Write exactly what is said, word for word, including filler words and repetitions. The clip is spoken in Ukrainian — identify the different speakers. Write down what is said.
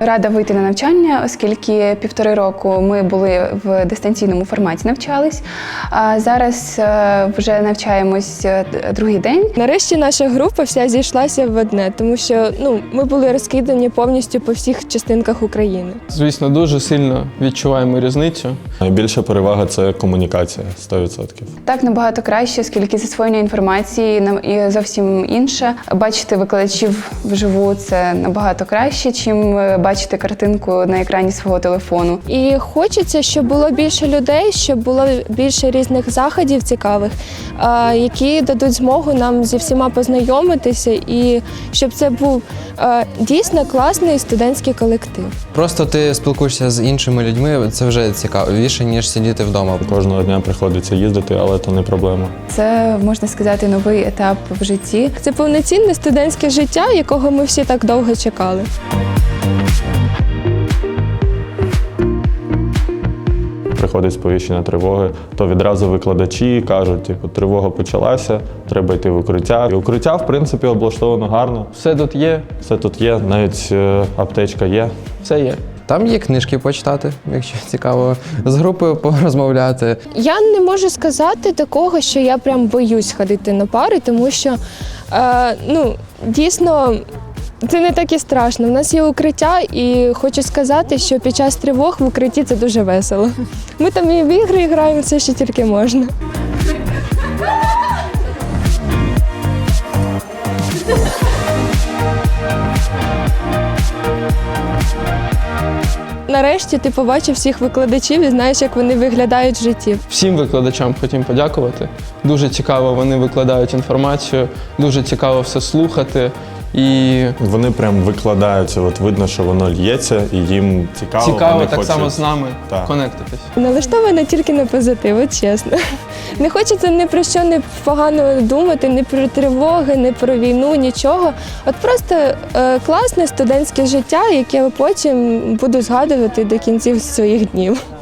Speaker 1: рада вийти на навчання, оскільки півтори року ми були в дистанційному форматі навчались, а зараз вже навчаємось другий день.
Speaker 2: Нарешті наша група вся зійшлася в одне, тому що ну, ми були розкидані повністю по всіх частинках України.
Speaker 3: Звісно, дуже сильно відчуваємо різницю.
Speaker 4: Найбільша перевага – це комунікація, сто відсотків.
Speaker 1: Так набагато краще, оскільки засвоєння інформації і зовсім інше. Бачити викладачів вживу – це набагато краще, чим бачити картинку на екрані свого телефону.
Speaker 2: І хочеться, щоб було більше людей, щоб було більше різних заходів цікавих, які дадуть змогу нам зі всіма познайомитися і щоб це був дійсно класний студентський колектив.
Speaker 5: Просто ти спілкуєшся з іншими людьми, це вже цікавіше, ніж сидіти вдома.
Speaker 4: Кожного дня приходиться їздити, але це не проблема.
Speaker 1: Це, можна сказати, новий етап в житті.
Speaker 2: Це повноцінне студентське життя, якого ми всі так довго чекали.
Speaker 4: Приходить сповіщення тривоги, то відразу викладачі кажуть, типу, тривога почалася, треба йти в укриття. І укриття, в принципі, облаштовано гарно.
Speaker 3: Все тут є.
Speaker 4: Все тут є, навіть е, аптечка є.
Speaker 3: Все є.
Speaker 5: Там є книжки почитати, якщо цікаво, з групою порозмовляти.
Speaker 2: Я не можу сказати такого, що я прям боюсь ходити на пари, тому що е, ну, дійсно це не так і страшно. У нас є укриття, і хочу сказати, що під час тривог в укритті це дуже весело. Ми там і в ігри граємо, все, що тільки можна. Нарешті ти побачив всіх викладачів і знаєш, як вони виглядають в житті.
Speaker 3: Всім викладачам хотім подякувати. Дуже цікаво вони викладають інформацію, дуже цікаво все слухати. І
Speaker 4: Вони прям викладаються, от видно, що воно лється, і їм цікаво.
Speaker 3: цікаво
Speaker 4: вони
Speaker 3: так
Speaker 4: хочуть...
Speaker 3: само з нами
Speaker 4: Так.
Speaker 3: конектитись.
Speaker 2: Налаштована тільки на позитив, от чесно. Не хочеться ні про що не погано думати, ні про тривоги, ні про війну, нічого. От просто е, класне студентське життя, яке потім буду згадувати до кінців своїх днів.